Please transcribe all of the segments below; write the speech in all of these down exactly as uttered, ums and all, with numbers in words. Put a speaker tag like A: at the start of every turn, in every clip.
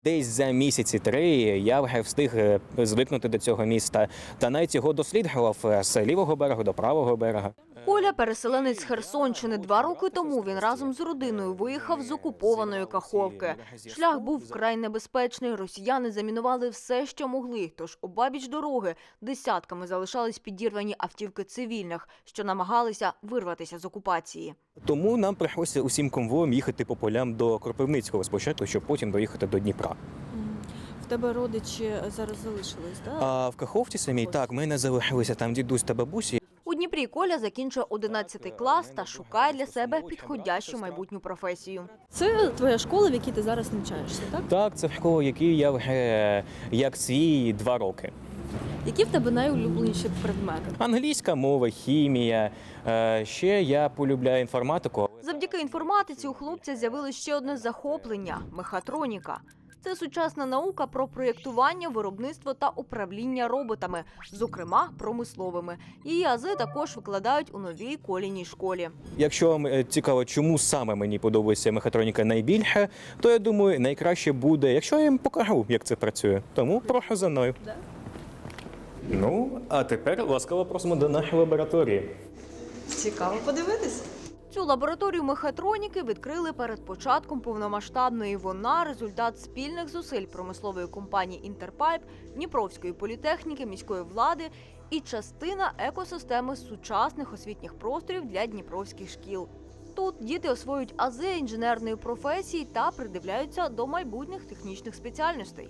A: Десь за місяці три я вже встиг е, звикнути до цього міста та навіть його досліджував е, з лівого берега до правого берега.
B: Коля – переселенець з Херсонщини. Два роки тому він разом з родиною виїхав з окупованої Каховки. Шлях був вкрай небезпечний. Росіяни замінували все, що могли. Тож обабіч дороги десятками залишались підірвані автівки цивільних, що намагалися вирватися з окупації.
A: Тому нам прийшлося усім конвоєм їхати по полям до Кропивницького спочатку, щоб потім доїхати до Дніпра.
C: В тебе родичі зараз залишились, так?
A: А в Каховці самій, так, в мене залишилися там дідусь та бабусі.
B: У Дніпрі Коля закінчує одинадцятий клас та шукає для себе підходящу майбутню професію.
C: Це твоя школа, в якій ти зараз навчаєшся, так?
A: Так, це школа, в якій я вже як свій два роки.
C: Які в тебе найулюбленіші предмети?
A: Англійська мова, хімія, е, ще я полюбляю інформатику.
B: Завдяки інформатиці у хлопця з'явилось ще одне захоплення – мехатроніка. Це сучасна наука про проєктування, виробництво та управління роботами, зокрема промисловими. Її ази також викладають у новій Коліній школі.
A: Якщо вам е, цікаво, чому саме мені подобається мехатроніка найбільше, то я думаю, найкраще буде, якщо я їм покажу, як це працює. Тому прошу за мною.
C: Да.
A: Ну, а тепер ласкаво просимо до нашої лабораторії.
C: Цікаво подивитися.
B: Цю лабораторію мехатроніки відкрили перед початком повномасштабної. Вона – результат спільних зусиль промислової компанії «Інтерпайп», Дніпровської політехніки, міської влади і частина екосистеми сучасних освітніх просторів для дніпровських шкіл. Тут діти освоюють ази інженерної професії та придивляються до майбутніх технічних спеціальностей.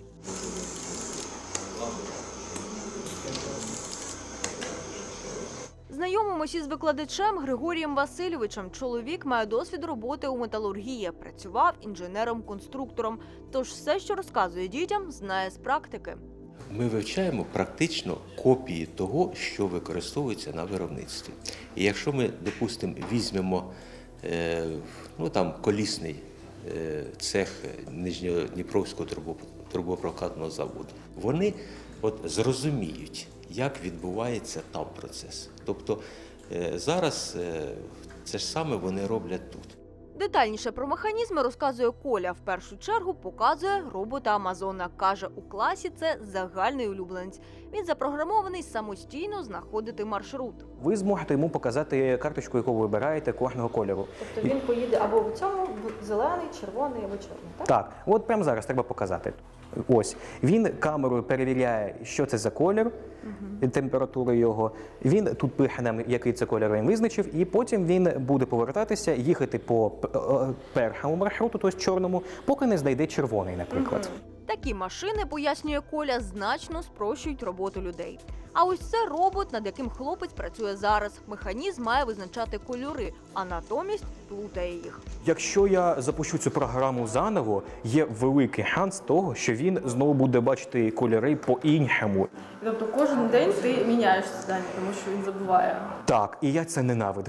B: Знайомимося із викладачем Григорієм Васильовичем. Чоловік має досвід роботи у металургії, працював інженером-конструктором. Тож все, що розказує дітям, знає з практики.
D: Ми вивчаємо практично копії того, що використовується на виробництві. І якщо ми, допустимо, візьмемо е, ну, там, колісний е, цех Нижньодніпровського трубопрокатного заводу, вони от зрозуміють, як відбувається там процес. Тобто е, зараз е, це ж саме вони роблять тут.
B: Детальніше про механізми розказує Коля. В першу чергу показує робота Амазона. Каже, у класі це загальний улюбленець. Він запрограмований самостійно знаходити маршрут.
A: Ви зможете йому показати карточку, яку ви вибираєте, кожного кольору.
C: Тобто він поїде або в цьому, в зелений, червоний або чорний, так?
A: Так, от прямо зараз треба показати. Ось, він камерою перевіряє, що це за колір, угу. температуру його. Він тут пише нам, який це кольор він визначив, і потім він буде повертатися, їхати по першому маршруту, тобто чорному, поки не знайде червоний, наприклад.
B: Угу. Такі машини, пояснює Коля, значно спрощують роботу людей. А ось це робот, над яким хлопець працює зараз. Механізм має визначати кольори, а натомість плутає їх.
A: Якщо я запущу цю програму заново, є великий шанс того, що він знову буде бачити кольори по-іншому.
C: Тобто кожен день ти міняєш завдання, тому що він забуває.
A: Так, і я це ненавиджу.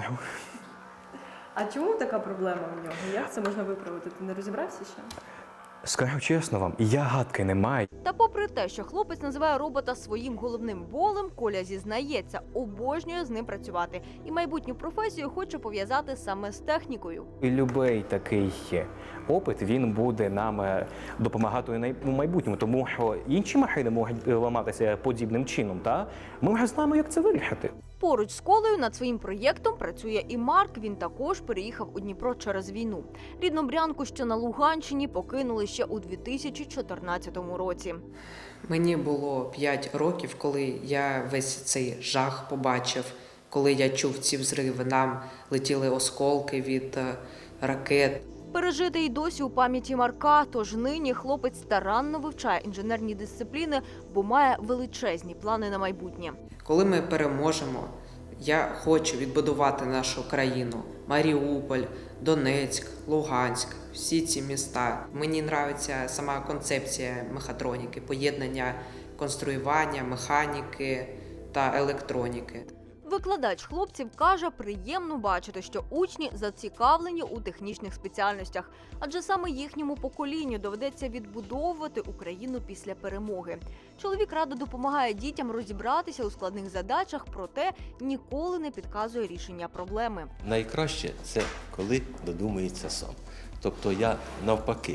C: А чому така проблема у нього? Як це можна виправити? Ти не розібрався ще?
A: Скажу чесно вам, я гадки не маю.
B: Та попри те, що хлопець називає робота своїм головним болем, Коля зізнається, обожнює з ним працювати. І майбутню професію хоче пов'язати саме з технікою.
A: І любий такий опит, він буде нам е, допомагати у майбутньому, тому що інші машини можуть ламатися подібним чином, та ми вже знаємо, як це вирішити.
B: Поруч з Колею над своїм проєктом працює і Марк. Він також переїхав у Дніпро через війну. Рідну Брянку, що на Луганщині, покинули ще у дві тисячі чотирнадцятому році.
E: Мені було п'ять років, коли я весь цей жах побачив, коли я чув ці взриви. Нам летіли осколки від ракет.
B: Пережити й досі у пам'яті Марка, тож нині хлопець старанно вивчає інженерні дисципліни, бо має величезні плани на майбутнє.
E: Коли ми переможемо, я хочу відбудувати нашу країну. Маріуполь, Донецьк, Луганськ, всі ці міста. Мені подобається сама концепція мехатроніки, поєднання конструювання, механіки та електроніки.
B: Викладач хлопців каже, приємно бачити, що учні зацікавлені у технічних спеціальностях, адже саме їхньому поколінню доведеться відбудовувати Україну після перемоги. Чоловік радо допомагає дітям розібратися у складних задачах, проте ніколи не підказує рішення проблеми.
D: Найкраще – це коли додумається сам. Тобто я навпаки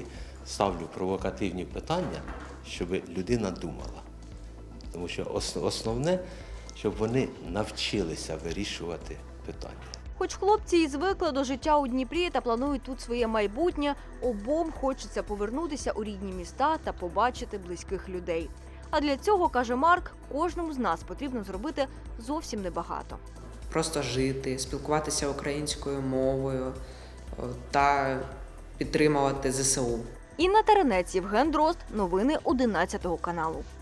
D: ставлю провокативні питання, щоб людина думала. Тому що ос- основне, щоб вони навчилися вирішувати питання.
B: Хоч хлопці і звикли до життя у Дніпрі та планують тут своє майбутнє, обом хочеться повернутися у рідні міста та побачити близьких людей. А для цього, каже Марк, кожному з нас потрібно зробити зовсім небагато.
E: Просто жити, спілкуватися українською мовою е, та підтримувати зе се у.
B: Інна Таренець, Євген Дрозд. Новини одинадцятого каналу.